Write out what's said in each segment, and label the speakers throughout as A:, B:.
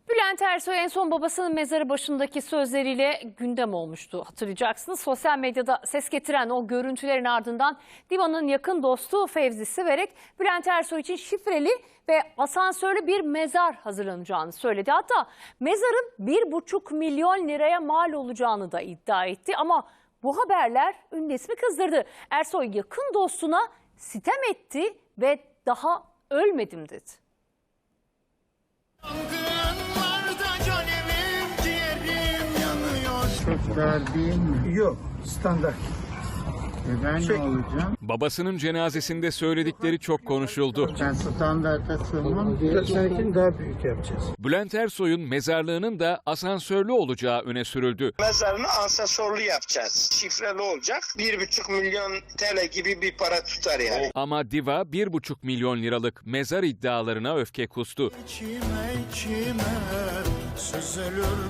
A: Bülent Ersoy en son babasının mezarı başındaki sözleriyle gündem olmuştu. Hatırlayacaksınız, sosyal medyada ses getiren o görüntülerin ardından Diva'nın yakın dostu Fevzi Siverek, Bülent Ersoy için şifreli ve asansörlü bir mezar hazırlanacağını söyledi. Hatta mezarın 1,5 milyon liraya mal olacağını da iddia etti. Ama bu haberler ünlü ismi kızdırdı. Ersoy yakın dostuna sitem etti ve daha ölmedim dedi.
B: Çok dar değil mi?
C: Yok, standart.
B: Ben ne olacağım?
D: Babasının cenazesinde söyledikleri çok konuşuldu.
B: Ben standarta sığmam.
C: Seninkini daha büyük yapacağız.
D: Bülent Ersoy'un mezarlığının da asansörlü olacağı öne sürüldü.
E: Mezarını asansörlü yapacağız. Şifreli olacak. 1,5 milyon TL gibi bir para tutar yani.
D: Ama Diva 1,5 milyon liralık mezar iddialarına öfke kustu.
F: İçime süzülür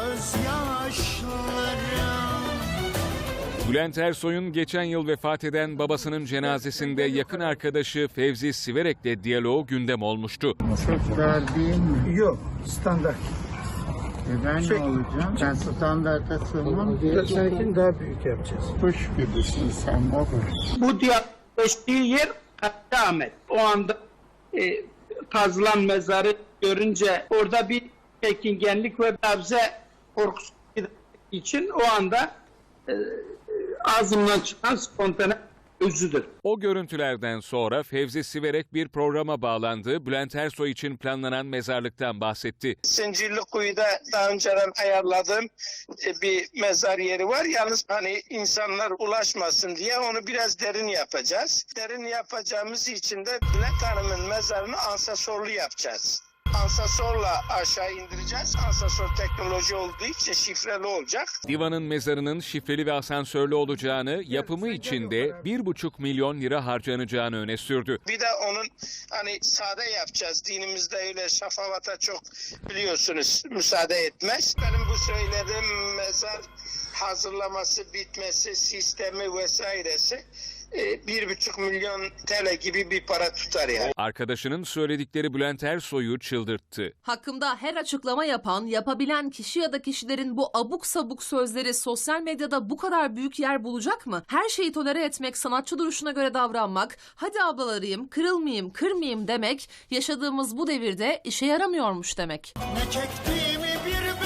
F: gözyaşlarım.
D: Bülent Ersoy'un geçen yıl vefat eden babasının cenazesinde yakın arkadaşı Fevzi Siverek'le diyaloğu gündem olmuştu.
B: Çok dar değil mi?
C: Yok, standart.
B: Ben ne olacağım? Ben standarta sığmam.
C: Seninkini daha büyük yapacağız.
B: Kuş gibisin sen olur.
G: Bu geçtiği yer Hakkı Ahmet. O anda kazılan mezarı görünce orada bir çekingenlik ve nabze korkusu için o anda ağzımdan çıkan spontane özüdür.
D: O görüntülerden sonra Fevzi Siverek bir programa bağlandı. Bülent Ersoy için planlanan mezarlıktan bahsetti.
E: Zincirlikuyu'da daha önceden ayarladığım bir mezar yeri var. Yalnız hani insanlar ulaşmasın diye onu biraz derin yapacağız. Derin yapacağımız için de Bülent Hanım'ın mezarını asansörlü yapacağız. Asansörle aşağı indireceğiz. Asansör teknoloji olduğu için şifreli olacak.
D: Diva'nın mezarının şifreli ve asansörlü olacağını, yapımı için de 1,5 milyon lira harcanacağını öne sürdü.
E: Bir de onun hani sade yapacağız. Dinimizde öyle şafavata çok biliyorsunuz müsaade etmez. Benim bu söylediğim mezar hazırlaması, bitmesi, sistemi vesairesi 1,5 milyon TL gibi bir para tutar yani.
D: Arkadaşının söyledikleri Bülent Ersoy'u çıldırttı.
H: Hakkımda her açıklama yapan, yapabilen kişi ya da kişilerin bu abuk sabuk sözleri sosyal medyada bu kadar büyük yer bulacak mı? Her şeyi tolere etmek, sanatçı duruşuna göre davranmak, hadi ablalarıyım, kırılmayayım, kırmayayım demek, yaşadığımız bu devirde işe yaramıyormuş demek.
F: Ne çektiğimi bir